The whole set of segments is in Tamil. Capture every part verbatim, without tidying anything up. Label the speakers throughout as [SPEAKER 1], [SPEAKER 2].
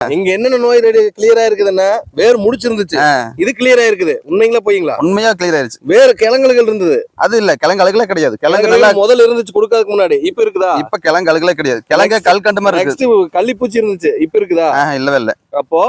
[SPEAKER 1] இங்க என்னென்ன நோய் ரெடி கிளியரா இருக்குதுன்னா வேர் முடிச்சிருந்துச்சு, இது கிளியரா இருக்குது. உண்மைங்களா போய்ங்களா?
[SPEAKER 2] உண்மையா கிளியர் ஆயிருச்சு.
[SPEAKER 1] வேறு கிழங்குகள் இருந்தது,
[SPEAKER 2] அது இல்ல கிழங்கு அழுகலே கிடையாது. கிழங்கு
[SPEAKER 1] நல்லா முதல்ல இருந்துச்சு கொடுக்கறதுக்கு முன்னாடி, இப்ப இருக்குதா?
[SPEAKER 2] இப்ப கிழங்கு அழுகலே கிடையாது. கிழங்கு கல் கண்டு மாதிரி இருக்கு.
[SPEAKER 1] நெக்ஸ்ட் கள்ளிப்பூச்சி இருந்துச்சு, இப்ப இருக்குதா?
[SPEAKER 2] இல்லவே இல்ல.
[SPEAKER 1] அப்போ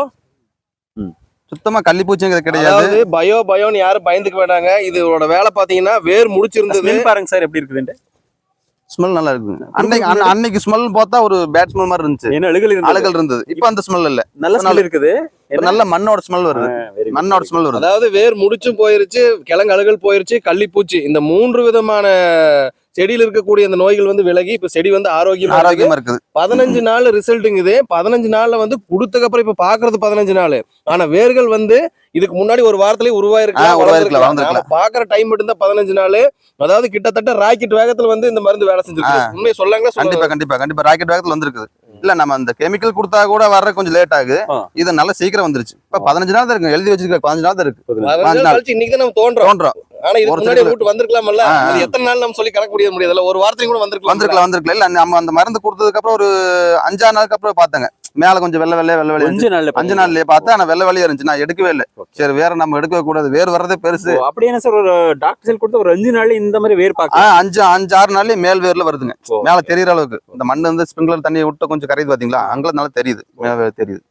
[SPEAKER 2] சுத்தமா கள்ளிப்பூச்சிங்கிறது கிடையாது.
[SPEAKER 1] அதாவது பயோ பயோன்னு யாரும் பயந்துக்க வேண்டாங்க. இதோட வேலை பாத்தீங்கன்னா வேர் முடிச்சிருந்தது.
[SPEAKER 3] பாருங்க சார் எப்படி இருக்குதுன்னு.
[SPEAKER 2] ஸ்மெல் நல்லா இருக்கு. அன்னைக்கு அன்னைக்கு ஸ்மெல் பார்த்தா ஒரு பேட் ஸ்மெல் மாதிரி இருந்துச்சு.
[SPEAKER 3] என்ன அழுகல் இருந்தது,
[SPEAKER 2] அழுகல் இருந்தது. இப்ப அந்த ஸ்மெல் இல்ல,
[SPEAKER 3] நல்ல ஸ்மெல் இருக்குது.
[SPEAKER 2] நல்ல மண்ணோட ஸ்மெல் வருது. மண்ணோட ஸ்மெல் வருது.
[SPEAKER 1] அதாவது வேர் முடிச்சும் போயிருச்சு, கிழங்கு அழுகல் போயிருச்சு, கள்ளிப்பூச்சி, இந்த மூன்று விதமான செடியில இருக்கக்கூடிய அந்த நோய்கள் வந்து விலகி இப்ப செடி வந்து ஆரோக்கியமா
[SPEAKER 2] ஆரோக்கியமா இருக்குது.
[SPEAKER 1] பதினஞ்சு நாள் ரிசல்ட்டுங்குது. பதினஞ்சு நாள்ல வந்து கொடுத்ததுக்கு அப்புறம் இப்ப பாக்குறது பதினஞ்சு நாள். ஆனா வேர்கள் வந்து இதுக்கு முன்னாடி ஒரு வாரத்திலேயே உருவாயிருக்கலாம். பாக்குற டைம் மட்டும் தான் பதினஞ்சு நாள். அதாவது கிட்டத்தட்ட ராக்கெட் வேகத்துல வந்து இந்த மருந்து வேலை செஞ்சிருக்கு. உண்மையை சொல்லாங்களா?
[SPEAKER 2] கண்டிப்பா கண்டிப்பா கண்டிப்பா ராக்கெட் வேகத்துல வந்திருக்குது. இல்ல நம்ம அந்த கெமிக்கல் கொடுத்தா கூட வர்ற கொஞ்சம் லேட் ஆகுது. இது நல்லா சீக்கிரம் வந்துருச்சு. இப்ப பதினஞ்சு நாள் தான் இருக்கு, எழுதி வச்சிருக்க பதினஞ்சு நாள் தான் இருக்கு.
[SPEAKER 1] இன்னைக்கு தான் நம்ம தோன்றோம்
[SPEAKER 2] தோன்றோம்
[SPEAKER 1] ஆனா இது முன்னாடி ரூட் வந்திருக்கலாம்ல. அது எத்தனை நாள் நம்ம சொல்லி கணக்கு முடிய முடியாதுல்ல. ஒரு வாரத்துக்கு கூட வந்திருக்கலாம்
[SPEAKER 2] வந்திருக்கலாம் வந்திருக்கலாம் இல்ல நம்ம அந்த மருந்து கொடுத்ததுக்கு அப்புறம் ஒரு அஞ்சாறு நாளுக்கு அப்புறம் பாத்தங்க மேல கொஞ்சம் வெள்ளை வெள்ளை வெள்ளை வெள்ளை அஞ்சு நாள் அஞ்சு நாள்லயே பார்த்தா ஆனா வெள்ளை வெள்ளையா இருந்துச்சு. நான் எடுக்கவே இல்லை. சரி வேற நம்ம எடுக்கவே கூடாது, வேர் வர்றதே பெருசு.
[SPEAKER 3] அப்படி என்ன சார் ஒரு டாக்டர் செல் கொடுத்து ஒரு அஞ்சு நாள் இந்த மாதிரி வேர் பாக்க
[SPEAKER 2] அஞ்சு அஞ்சு ஆறு நாள்லயே மேல் வேர்ல வருதுங்க. மேல தெரியற அளவுக்கு இந்த மண் வந்து ஸ்பிரிங்க்லர் தண்ணியை விட்டு கொஞ்சம் கரையுது பாத்தீங்களா, அங்கே நல்லா தெரியுது, தெரியுது.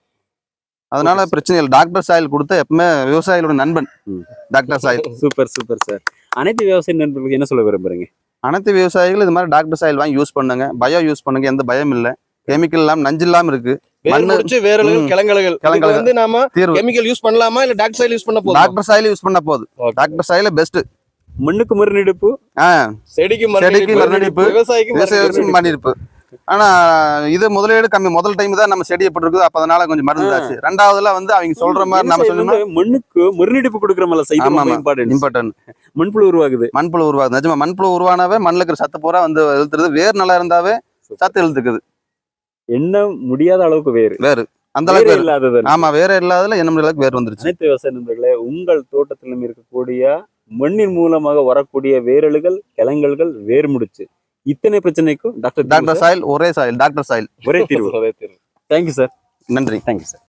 [SPEAKER 2] அதனால பிரச்சனை இல்லை. டாக்டர் சாயில் கொடுத்தா எப்பவுமே விவசாயிகளோட நண்பன் doctor soil.
[SPEAKER 3] Super super sir. அனைத்து விவசாய நண்பர்களுக்கு என்ன சொல்ல விரும்புறீங்க?
[SPEAKER 2] அனைத்து விவசாயிகள் இது மாதிரி டாக்டர் சாயில் வாங்கி யூஸ் பண்ணுங்க. பயோ யூஸ் பண்ணுங்க, எந்த பயம் இல்லை. கெமிக்கல் இல்லாம நஞ்சு இல்லாம இருக்கு.
[SPEAKER 1] கிழங்கல்கள் வந்து நாம கெமிக்கல் யூஸ் பண்ணலாமா இல்ல டாக்டர் சாயில் யூஸ் பண்ண போதும்?
[SPEAKER 2] டாக்டர் சாயில் யூஸ் பண்ண போதும். Doctor soil best.
[SPEAKER 3] மண்ணுக்கு மருநடிப்பு,
[SPEAKER 1] செடிக்கு
[SPEAKER 2] செடிக்கு மருநடிப்பு, விவசாயிக்கு மருநடிப்பு. ஆனா இது முதலீடு கம்மி. முதல் டைம் தான் நம்ம செடி எப்படி இருக்குது, அப்ப அதனால கொஞ்சம் மருந்து ஆச்சு. ரெண்டாவதுல வந்து அவங்க சொல்ற மாதிரி நம்ம சொல்லணும்,
[SPEAKER 3] மண்ணுக்கு மருநடிப்பு கொடுக்குற மாதிரி இம்பார்ட்டன்ட். மண்புழு உருவாகுது,
[SPEAKER 2] மண்புழு உருவாகுது. நிஜமா மண்புழு உருவானாவே மண்ணுல இருக்கிற சத்து பூரா வந்து இழுத்துறது. வேர் நல்லா இருந்தாவே சத்து இழுத்துக்குது.
[SPEAKER 3] என்ன முடியாத அளவுக்கு வேறு
[SPEAKER 2] வேறு அந்த அளவுக்கு இல்லாதது. ஆமா வேற இல்லாததுல என்ன அளவுக்கு வேர் வந்துருச்சு.
[SPEAKER 3] அனைத்து விவசாய நண்பர்களே, உங்கள் தோட்டத்திலும் இருக்கக்கூடிய மண்ணின் மூலமாக வரக்கூடிய வேரலுகள், கிழங்கல்கள், வேர் முடிச்சு, இத்தனை பிரச்சனைக்கும் டாக்டர்
[SPEAKER 2] டாக்டர் சாயில் ஒரே சாயில், டாக்டர் சாயில்
[SPEAKER 3] ஒரே தீர்வு. Thank you sir.
[SPEAKER 2] நன்றி.
[SPEAKER 3] Thank you sir.